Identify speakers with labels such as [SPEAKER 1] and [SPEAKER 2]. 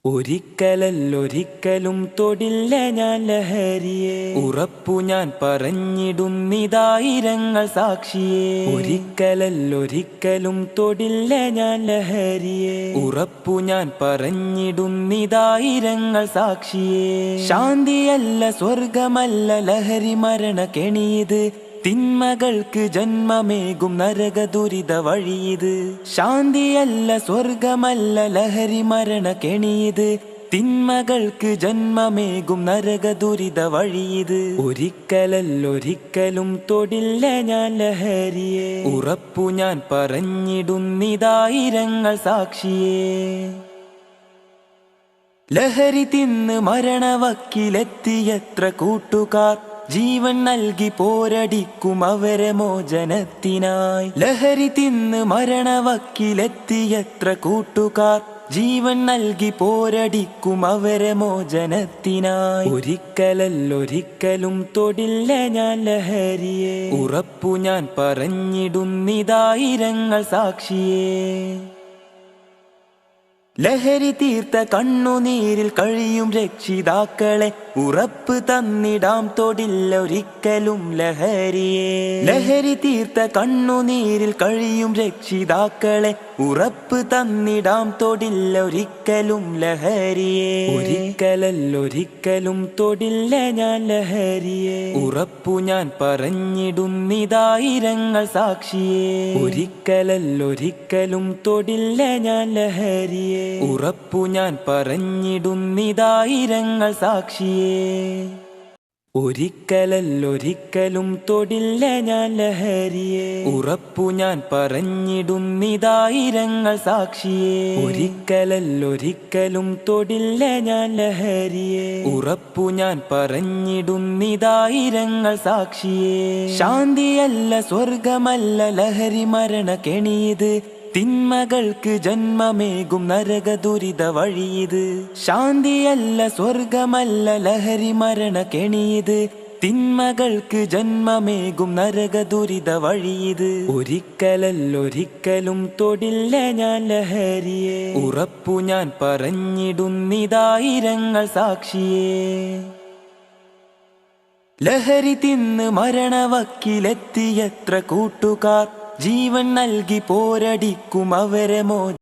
[SPEAKER 1] ഒരിക്കലല്ലൊരിക്കലും തൊടില്ല ഞാൻ ലഹരിയെ, ഉറപ്പു ഞാൻ പറഞ്ഞിടുന്നിതായിരങ്ങൾ സാക്ഷിയെ. ഒരിക്കലല്ലൊരിക്കലും തൊടില്ല ഞാൻ ലഹരിയെ, ഉറപ്പു ഞാൻ പറഞ്ഞിടുന്നിതായിരങ്ങൾ സാക്ഷിയെ. ശാന്തിയല്ല സ്വർഗമല്ല ലഹരി മരണ കെണിയത്, തിന്മകൾക്ക് ജന്മമേകും നരക ദുരിത വഴിയത്. ശാന്തിയല്ല സ്വർഗമല്ല ലഹരി മരണ കെണിയത്, തിന്മകൾക്ക് ജന്മമേകും നരക ദുരിത വഴിയത്. ഒരിക്കലല്ലൊരിക്കലും തൊടില്ല ഞാൻ ലഹരിയെ, ഉറപ്പു ഞാൻ പറഞ്ഞിടുന്നിതായിരങ്ങൾ സാക്ഷിയെ. ലഹരി തിന്ന് മരണവക്കിലെത്തിയത്ര കൂട്ടുകാർ, ജീവൻ നൽകി പോരടിക്കും അവരെ മോചനത്തിനായി. ലഹരി തിന്ന് മരണവക്കിലെത്തിയത്ര കൂട്ടുകാർ, ജീവൻ നൽകി പോരടിക്കും അവരെ മോചനത്തിനായി. ഒരിക്കലല്ലൊരിക്കലും തൊടില്ല ഞാൻ ലഹരിയെ, ഉറപ്പു ഞാൻ പറഞ്ഞിടുന്നിതായിരങ്ങൾ സാക്ഷിയെ. ലഹരി തീർത്ത കണ്ണുനീരിൽ കഴിയും രക്ഷിതാക്കളെ, ഉറപ്പ് തന്നിടാം തൊടില്ല ഒരിക്കലും ലഹരിയെ. ലഹരി തീർത്ത കണ്ണുനീരിൽ കഴിയും രക്ഷിതാക്കളെ, ഉറപ്പ് തന്നിടാം തൊടില്ല ഒരിക്കലും ലഹരിയെ. ഒരിക്കലല്ലൊരിക്കലും തൊടില്ല ഞാൻ ലഹരിയെ, ഉറപ്പു ഞാൻ പറഞ്ഞിടുന്നിതായിരങ്ങൾ സാക്ഷിയെ. ഒരിക്കലല്ലൊരിക്കലും തൊടില്ല ഞാൻ ലഹരിയെ, ഉറപ്പു ഞാൻ പറഞ്ഞിടുന്നിതായിരങ്ങൾ സാക്ഷിയെ. ഒരിക്കലല്ലൊരിക്കലും തൊടില്ല ഞാൻ ലഹരിയെ, ഉറപ്പു ഞാൻ പറഞ്ഞിടുന്നിതായിരങ്ങൾ സാക്ഷിയെ. ഒരിക്കലല്ലൊരിക്കലും തൊടില്ല ഞാൻ ലഹരിയെ, ഉറപ്പു ഞാൻ പറഞ്ഞിടുന്നിതായിരങ്ങൾ സാക്ഷിയെ. ശാന്തിയല്ല സ്വർഗമല്ല ലഹരി മരണ കെണിയത്, തിന്മകൾക്ക് ജന്മമേകും നരക ദുരിത വഴിയത്. ശാന്തിയല്ല സ്വർഗമല്ല ലഹരി മരണ കെണിയത്, തിന്മകൾക്ക് ജന്മമേകും നരക ദുരിത വഴിയത്. ഒരിക്കലല്ലൊരിക്കലും തൊടില്ല ഞാൻ ലഹരിയെ, ഉറപ്പു ഞാൻ പറഞ്ഞിടുന്നിതായിരങ്ങൾ സാക്ഷിയെ. ലഹരി തിന്ന് മരണവക്കിലെത്തിയത്ര കൂട്ടുകാർ, ജീവൻ നൽകി പോരടിക്കും അവരെ